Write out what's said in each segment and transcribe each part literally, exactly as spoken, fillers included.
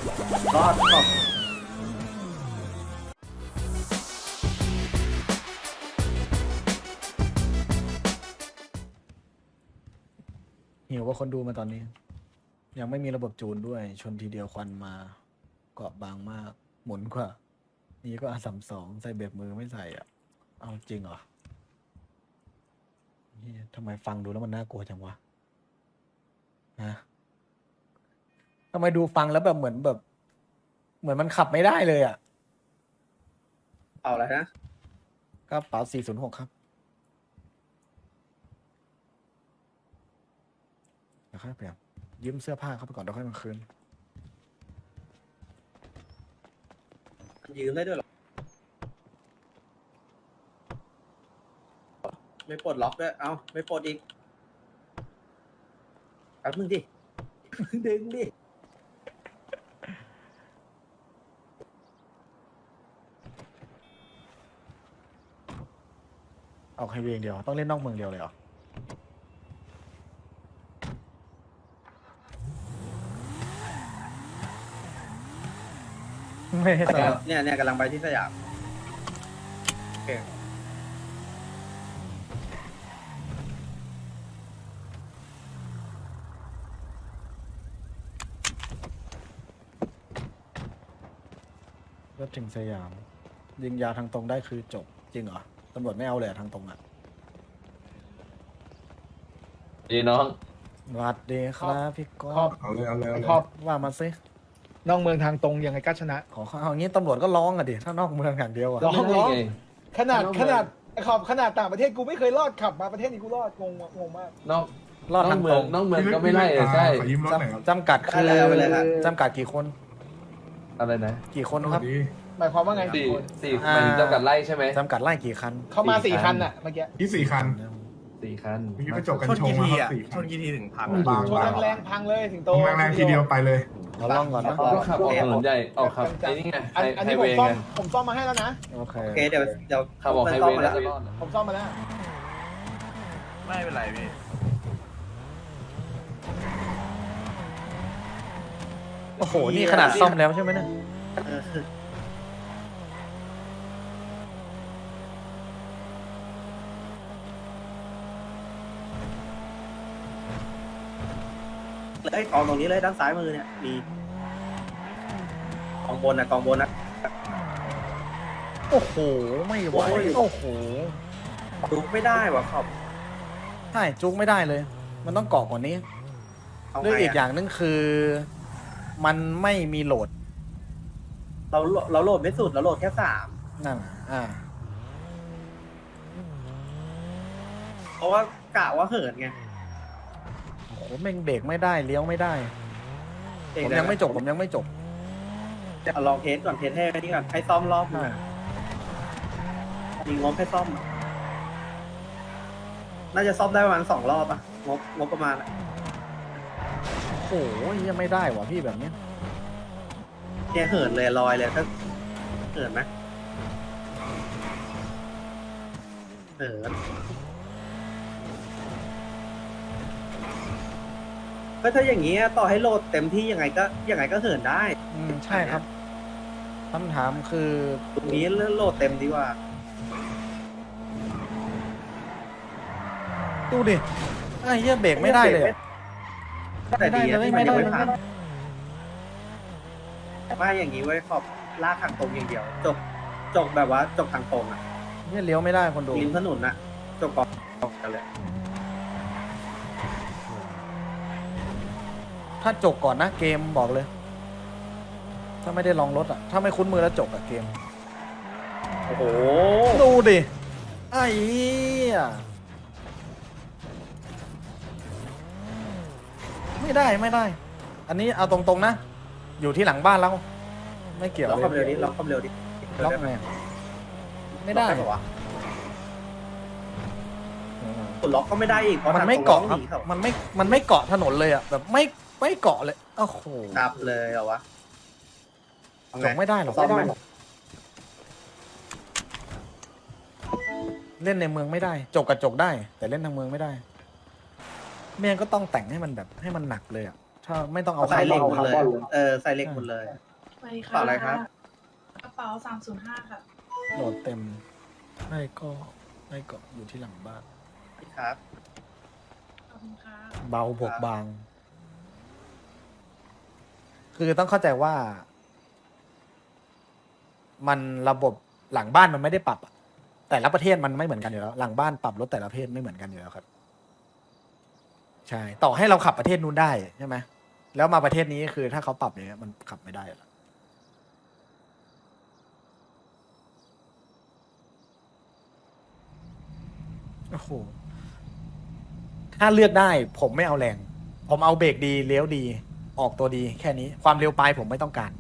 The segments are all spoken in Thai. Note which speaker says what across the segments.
Speaker 1: รอดขอบ
Speaker 2: หิวว่าคนดูมาตอนนี้ ยังไม่มีระบบจูนด้วย ชนทีเดียวควันมาเกาะบางมาก หมุนกว่า นี่ก็อาสามสองใส่เบรกมือไม่ใส่อ่ะ เอาจริงเหรอเหี้ยทำไมฟังดูแล้วมันน่ากลัวจังวะฮะทำไมดูฟังแล้วแบบเหมือนแบบ เหมือนมันขับไม่ได้เลยอ่ะ
Speaker 1: เอาอะไรนะ
Speaker 2: กระเป๋าสี่ศูนย์หกครับเดี๋ยวค่อยเปลี่ยนยืมเสื้อผ้าเข้าไปก่อนเดี๋ยวค่อยมาคืน
Speaker 1: ยืมได้ด้วยเหรอไม่ปลดล็อกด้วยเอ้าไม่ปลดอีกแป๊บนึงดิ ดึงดิ
Speaker 2: เอาไฮเวย์อย่างเดียว ต้องเล่นนอกเมืองเดียวเลยเหรอ ไม่ให้สลับ
Speaker 1: เนี่ยเนี่ยกำลังไปที่สยามโอเค
Speaker 2: รถถึงสยาม ยิงยาทางตรงได้คือจบ จริงเหรอ ตำรวจไม่เอาเลยอะทางตรงอ่ะ
Speaker 3: ดีน้อง
Speaker 2: สวัสดีครับพี่ก๊
Speaker 4: คร
Speaker 2: อ
Speaker 4: อ
Speaker 2: ฟ
Speaker 4: บเอาเลยเอาเลยเอาเลย
Speaker 5: ครอบ
Speaker 2: ว่ามาสิ
Speaker 5: นอกเมืองทางตรงยังไงก็ชนะ
Speaker 2: ขอเอาอย่างนี้ตำรวจก็ร้องอะดิ ถ้านอกเมืองอย่างเดียวอะ
Speaker 5: ร้องร้อง
Speaker 3: ไง
Speaker 5: ขนาด
Speaker 3: นอกเมือง
Speaker 5: ขนาดไอ้ขอบขนาดต่างประเทศกูไม่เคยรอดขับมาประเทศนี้กูรอดงงงงมาก
Speaker 3: นอก
Speaker 2: รอด
Speaker 3: นอ
Speaker 2: ทาก ง
Speaker 3: เมื
Speaker 2: ต
Speaker 3: อ
Speaker 2: รง ง
Speaker 3: นอกเมืองก็ไม่ไล่เออใช่
Speaker 4: ขอยืมรถหน่อยครับ
Speaker 2: จำกัดคือ
Speaker 1: ได้แล้วไปเลยครับ
Speaker 2: จำกัดกี่คน
Speaker 3: อะไรนะ
Speaker 2: กี่คน
Speaker 4: ส
Speaker 2: ค
Speaker 4: วั
Speaker 2: รั
Speaker 4: ส
Speaker 2: บ
Speaker 4: ดี
Speaker 5: หมายความว่าไง
Speaker 3: สี่สี่
Speaker 2: อ่า
Speaker 3: มันจำกัดไล่ใช่ไหม
Speaker 2: จำกัดไล่กี่คัน
Speaker 5: เข้ามา
Speaker 3: สี่
Speaker 5: สี่
Speaker 3: คั
Speaker 5: คั
Speaker 3: น
Speaker 5: นน่ะเมื่อกี้
Speaker 4: ที่สี่คัน
Speaker 3: สี่คัน
Speaker 4: เมื่อกี้ไปจบกัน
Speaker 1: ชน
Speaker 4: ชง
Speaker 1: กี่
Speaker 4: แล้ว
Speaker 1: ที
Speaker 4: ครับสี่คั
Speaker 1: อ่ะชนกี่ทีถึงพัง
Speaker 4: บาง
Speaker 5: ชนแรงๆพังเลยถึงโต
Speaker 4: ตรงแรงๆทีเดียวไปเลย
Speaker 2: เราล่องก่อนนะ
Speaker 3: ก็ขับออกถนนใหญ่ออกขับไอ้นี่ไง
Speaker 5: อัน
Speaker 3: ไฮ
Speaker 5: อัน
Speaker 3: ไฮ
Speaker 5: นี้ผ
Speaker 3: เว
Speaker 5: ม
Speaker 3: ย์
Speaker 5: ซ่อ
Speaker 3: ไง
Speaker 5: มผมซ่อมมาให้แล้วนะ
Speaker 2: โอเค
Speaker 1: โอเคเดี๋ยวเดี๋ยว
Speaker 3: ขับออกไฮ
Speaker 1: ซ่
Speaker 3: เว
Speaker 1: ม
Speaker 3: ย์
Speaker 1: มา
Speaker 3: น่า
Speaker 1: แล้ว
Speaker 3: จะรอด
Speaker 5: ผมซ่อมมาแล้ว
Speaker 6: ไม่เป็นไรพี่
Speaker 2: โอ้โห นี่ขนาดซ่อมแล้วใช่ไหมเนี่ย
Speaker 1: เออเลยกองตรงนี้เลยด้านซ้ายมือเนี่ยมีกองบนนะกองบนนะ
Speaker 2: โอ้โห ไม่ไหว
Speaker 1: โอ้ย
Speaker 2: โอ้โห
Speaker 1: ดูไม่ได้ว่ะขอบ
Speaker 2: ใช่จุกไม่ได้เลย มันต้องเกาะกว่านี้
Speaker 1: เอา
Speaker 2: เรื่อง
Speaker 1: ไง
Speaker 2: อีกอ
Speaker 1: อะ
Speaker 2: ย่างนึงคือ มันไม่มีโหลด
Speaker 1: เราเราโหลดไม่สุดเราโหลดแค่สาม
Speaker 2: นั่นอ่า
Speaker 1: เพราะว่ากะว่าเหินไง
Speaker 2: โอ้โหแม่งเบรกไม่ได้เลี้ยวไม่ได้ ผมยังไม่จบผมยังไม่จบ
Speaker 1: จะลองเทสก่อนเทสให้นี่ก่อนให้ซ่อมรอบหนึง
Speaker 2: อ่า
Speaker 1: อะมีงบให้ซ่อมอะน่าจะซ่อมได้ประมาณสองรอบอะงบงบประมาณอะ
Speaker 2: โอ้โหยังไม่ได้ว่ะพี่แบบนี้
Speaker 1: เนี่ยเหินเลยลอยเลยถ้าเหินไหมเหินก็ถ้าอย่างนี้ต่อให้โหลดเต็มที่ยังไงก็ยังไงก็เหินได้
Speaker 2: อืมใช่ครับคำถามคือ
Speaker 1: ตรงนี้โหลดเต็มดีกว่า
Speaker 2: ดูดิไอ้เหี้ยเบรกไม่ได้เลยอะ
Speaker 1: แต่ดีอะ
Speaker 2: ไม่
Speaker 1: ที่
Speaker 2: ได้
Speaker 1: มัน
Speaker 2: เลย
Speaker 1: ยัง
Speaker 2: ไม่
Speaker 1: ไม่
Speaker 2: ได้
Speaker 1: ผ่าน
Speaker 2: เลย
Speaker 1: ไม่อย่างนี้ไว้ขอบลากทางตรงอย่างเดียว จบจบแบบว่าจบทางตรงอะ
Speaker 2: เนี่ยเลี้ยวไม่ได้คนดู
Speaker 1: ริมถนนอะจบกองกันเลย
Speaker 2: ถ้าจบก่อนนะเกมบอกเลย ถ้าไม่ได้ลองรถอ่ะ ถ้าไม่คุ้นมือแล้วจบอะเกม
Speaker 1: โอ้โห
Speaker 2: ดูดิไอ้เหี้ยไม่ได้ไม่ได้ อันนี้เอาตรงๆนะ อยู่ที่หลังบ้านแล้ว ไม่เกี่ยว
Speaker 1: ล็อก
Speaker 2: เล
Speaker 1: ความเร็วดิ
Speaker 2: ย
Speaker 1: ล็อกความเร็วดิ
Speaker 2: ล็อกไงไม่ได้
Speaker 1: ล็อกปะวะกดล็อกก็ไม่ได้อีกเพราะ
Speaker 2: มัน
Speaker 1: ทาง
Speaker 2: ไม่
Speaker 1: ตรง
Speaker 2: เกาะ
Speaker 1: ล็อ
Speaker 2: ครับ
Speaker 1: หนีเขา
Speaker 2: มันไม่มันไม่เกาะถนนเลยอ่ะแบบไม่ไม่เกาะเลยโอ้โห
Speaker 1: ดับเลยเหรอวะเอา
Speaker 2: จ
Speaker 1: ไง
Speaker 2: บไม่ได้หรอก
Speaker 1: ซ่อมไหม
Speaker 2: เล่นในเมืองไม่ได้ จกกับจกได้ แต่เล่นทางเมืองไม่ได้ไม่งั้นก็ต้องแต่งให้มันแบบให้มันหนักเลยอ่ะถ้าไม่ต้องเอา
Speaker 1: ใส่เหล็กหมด
Speaker 2: คา
Speaker 1: เลย
Speaker 2: ร์บอน
Speaker 1: เออใส่เหล็กหมดเลย
Speaker 4: ไป
Speaker 1: กระเป๋าอะไรครับ
Speaker 4: กระเป๋าสามศูนย์ห้าค่ะ
Speaker 2: โหลดเต็มไม่ก็ไม่ก็อยู่ที่หลังบ้าน
Speaker 1: ครับ
Speaker 4: ขอบคุณค่ะ
Speaker 2: เบาบวกบาง คือต้องเข้าใจว่า มันระบบหลังบ้านมันไม่ได้ปรับอะแต่ละประเทศมันไม่เหมือนกันอยู่แล้ว หลังบ้านปรับรถแต่ละประเทศไม่เหมือนกันอยู่แล้วครับ ใช่ ต่อให้เราขับประเทศนู้นได้ใช่ไหมแล้วมาประเทศนี้คือถ้าเขาปรับอย่างเงี้ยมันขับไม่ได้หรอกโอ้โหถ้าเลือกได้ ผมไม่เอาแรง ผมเอาเบรกดีเลี้ยวดี ออกตัวดี แค่นี้ ความเร็วปลายผมไม่ต้องการ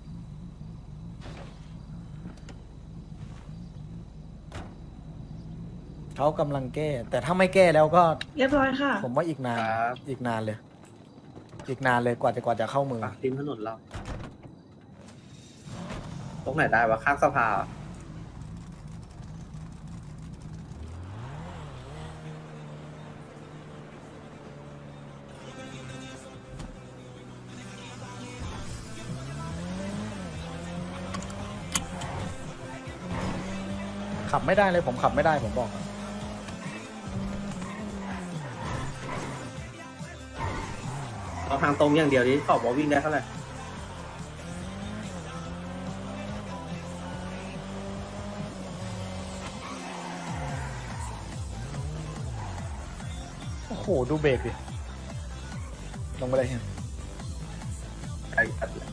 Speaker 2: เขากำลังแก้ แต่ถ้าไม่แก้แล้วก็
Speaker 4: เรียบร้อยค่ะ
Speaker 2: ผมว่าอีกนาน
Speaker 1: ครับ
Speaker 2: อีกนานเลย อีกนานเลยกว่าจะกว่าจะเข้ามือ
Speaker 1: ปากริมถนนเรา ตรงไหนได้วะข้างสะพาน
Speaker 2: ขับไม่ได้เลย ผมขับไม่ได้ผมบอก
Speaker 1: เอาทางตรงอย่างเดียวนี้ขอบว่าวิ่งได้เท่าไหร่
Speaker 2: โอ้โห ดูเบรกดิ ลงไปเลยเฮีย
Speaker 1: ไอ้สัตว์เลย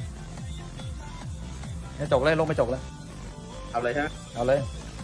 Speaker 2: เฮียจกเลย ลงไปจกเลย
Speaker 1: เอาเลยใช่ไหม
Speaker 2: เอาเลย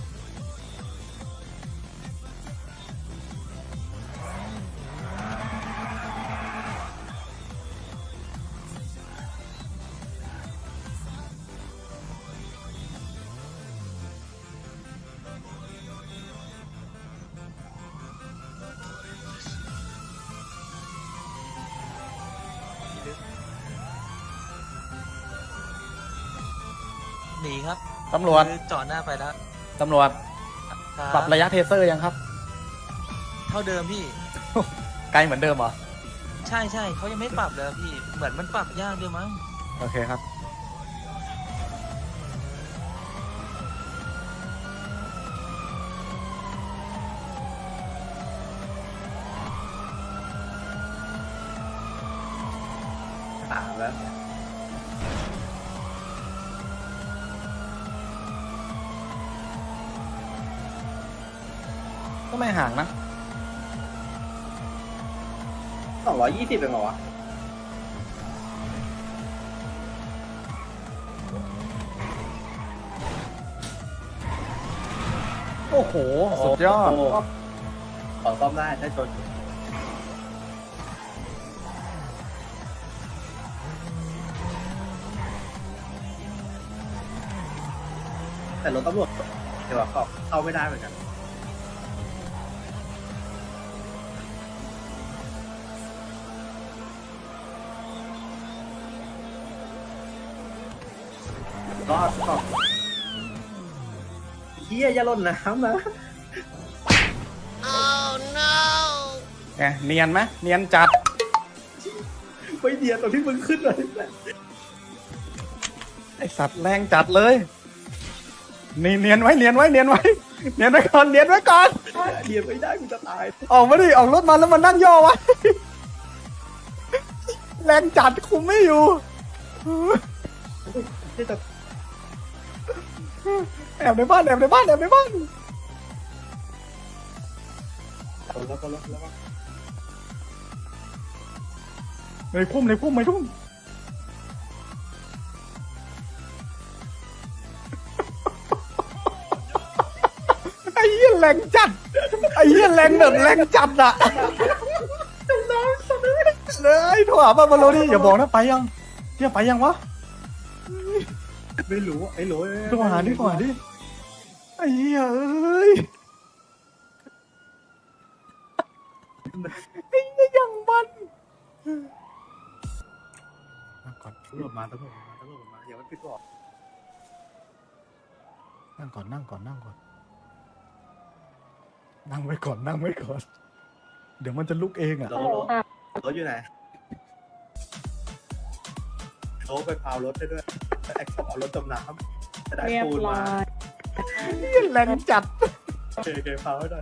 Speaker 7: หนีครับ
Speaker 2: ตำรวจ
Speaker 7: คือจอดหน้าไปแล้ว
Speaker 2: ตำรวจ
Speaker 7: ค
Speaker 2: ปรับระยะเทเซอร์ยังครับ
Speaker 7: เท่าเดิมพี่
Speaker 2: ไกลเหมือนเดิมเหรอ
Speaker 7: ใช่ใช่เขายังไม่ปรับเลยพี่ เหมือนมันปรับยากด้วยมั้ง
Speaker 2: โอเคครับ
Speaker 1: ตามแล้ว
Speaker 2: ก็ไม่ห่างนะ
Speaker 1: สองร้อยยี่สิบเป็นเหรอวะ
Speaker 2: โอ้โห สุดยอด
Speaker 1: โโหขอซ่อมได้ถ้าชน แต่รถตำรวจเดี๋ยวเขาเข้าไม่ได้เหมือนกัน รอดรอดเฮียอย่าหล่นน้ำนะ
Speaker 2: แกเนียนไหมเนียนจัด
Speaker 1: ไม่เดียวตอนที่มึงขึ้นเลย
Speaker 2: ไอสัตว์แรงจัดเลย นี่เนียนไว้เนียนไว้เนียนไว้ เนียนไว้ก่อนเนียนไว้ก่อน
Speaker 1: เดียวไม่ได้กูจะตาย
Speaker 2: ออกมาดิออกรถมาแล้วมันนั่งย่อไว้ แรงจัดคุมไม่อยู่
Speaker 1: ที่จะ
Speaker 2: แอบในบ้านแอบในบ้านแอบในบ้าน
Speaker 1: แล้วก็แล้วก็แล้วก็
Speaker 2: ในพุ่มในพุ่มในพุ่มไอ้เหี้ยแรงจัดไอ้เหี้ยแรงแบบแรงจัดอะเลยโทรหาบ้านบอลโลนี่อย่าบอกนะไปยังเที่ยไปยังวะ
Speaker 1: ไม่รู้ไอ้หล
Speaker 2: โทรหาดิโทรหาดิไอ้เหี้ยเอ้ยไอ้เหี้ยยังมันมาก่อน
Speaker 1: ตำรวจมาตำรวจมาตำรวจมาอย่ามันปิดบอก
Speaker 2: นั่งก่อนนั่งก่อนนั่งก่อนนั่งไว้ก่อนนั่งไว้ก่อน เดี๋ยวมันจะลุกเองอ่ะ
Speaker 1: รถรถรถอยู่ไหนโอ้ไปพาวรถได้ด้วยไอ้ขอบเอารถจมน้ำจะได้
Speaker 8: เรียบ
Speaker 1: ปูน
Speaker 8: ร้อ
Speaker 1: มาย
Speaker 2: แรงจัด
Speaker 1: โอเคโอเคพาวให้หน่อย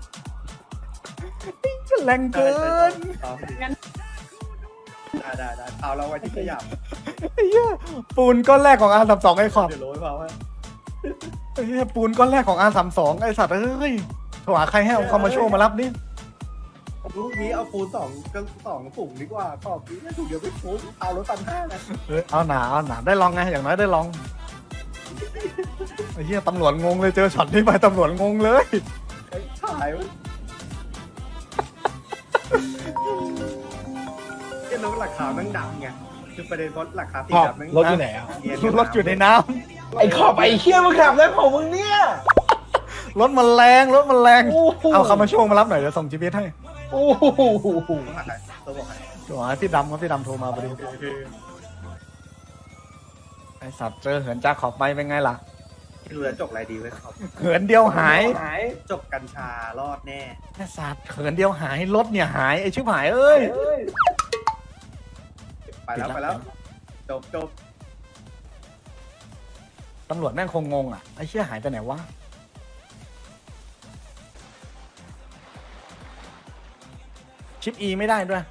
Speaker 2: แรงเกิน
Speaker 1: พาวได้ได้ได้พาวเราไว้ที่ขยับ
Speaker 2: ไอ้เหี้ยปูนก้อนแรกของอาร์สามสองไอ้ขอบ
Speaker 1: เดี๋ยวโรยพาวให้
Speaker 2: ไอ้เหี้ยปูนก้อนแรกของอาร์สามสองไอ้สัตว์เอ้ยโทรหาใครให้เอาคอมมาโชว์มารับนี่
Speaker 1: ลูกนี้เอาปูนสองก็สองถุงดีกว่าขอบนี้ถุงเดียวไม่คุ้มเอารถตันห้านะ
Speaker 2: เอ้ยเอาหนาเอาหนาได้ลองไงอย่างน้อยได้ลองไอ้เหี้ยตำรวจงงเลยเจอช็อตนี้ไปตำรวจงงเลย
Speaker 1: ไอ้ถ่ายวะเจ้าแล้วราคาแม่งดำไงคือประเด็นเพราะราคาสี
Speaker 5: ขอบ
Speaker 1: ดำแม่ง
Speaker 5: รถอยู่ไหนอ่ะ
Speaker 1: เนียน
Speaker 2: รถอยู่ในน้
Speaker 5: ไอ้ขอบไอ้เคี้ยมึงขับแล้วของมึงเนี่ย
Speaker 2: ำรถมันแรงรถมันแรง
Speaker 5: โอ้โห
Speaker 2: เอาคอมมาโชว์มารับหน่อยเดี๋ยวส่งจีพีเอสให้
Speaker 5: โอ้โห
Speaker 1: ต้องหาใครต้องบอกใคร
Speaker 2: โทรหาพี่ดำครับพี่ดำโทรมาพอดี
Speaker 1: คือ
Speaker 2: ไอ้สัตว์เจอเหินจ้าขอบไปเป็นไงล่ะ
Speaker 1: คือเรือจกอะไรดีไว้ครับ
Speaker 2: เหินเดียวหาย
Speaker 1: จกกัญชารอดแน่
Speaker 2: ไอ้สัตว์เหินเดียวหายรถเนี่ยหายไอ้ชิบหายเอ้ย
Speaker 1: ไปแล้วไปแล้วจบจบ
Speaker 2: ตำรวจแม่งคงงงอ่ะไอ้เชี่ยหายไปไหนวะชิปอีไม่ได้ด้วย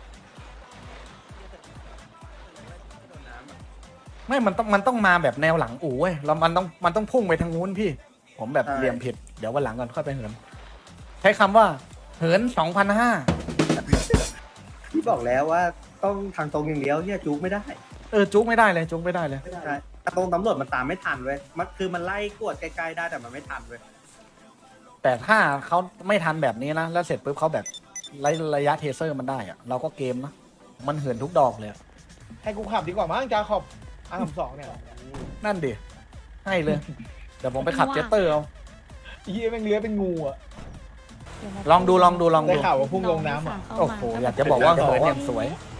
Speaker 2: ไม่มันต้องมันต้องมาแบบแนวหลังอู่เว้ยแล้วมันต้องมันต้องพุ่งไปทางนู้นพี่ ผมแบบเหลี่ยมผิดเดี๋ยววันหลังก่อนค่อยไปเหินใช้คำว่าเหินสองพันห้า
Speaker 1: พี่บอกแล้วว่าต้องทางตรงอย่างเดียวเนี่ยจุกไม่ได้
Speaker 2: เออจุกไม่ได้เลยจุกไม่ได้เลย
Speaker 1: ใช่แต่ตรงตำรวจมันตามไม่ทันเว้ยมันคือมันไล่กวดใกล้ๆได้แต่มันไม่ทันเว้ย
Speaker 2: แต่ถ้าเขาไม่ทันแบบนี้นะแล้วเสร็จปุ๊บเขาแบบระระยะเทเซอร์มันได้อะเราก็เกมนะมันเหินทุกดอกเลยอะ
Speaker 5: ให้กูขับดีกว่ามั้งจ้าขอบอาร์สองเนี่ย
Speaker 2: นั่นดิให้เลยเดี๋ยวผมไปขับเจตเตอร์เอา
Speaker 5: เฮียแม่งเลื้อยเป็นงูอ่ะ
Speaker 2: ลองดูลองดูลอง
Speaker 5: ได้
Speaker 2: ดู
Speaker 5: ข่าวว่าพุ่งลงน้ำอ่ะ
Speaker 2: โอ้โหอยากจะบอกว่าเหินอย่างสวย
Speaker 8: เ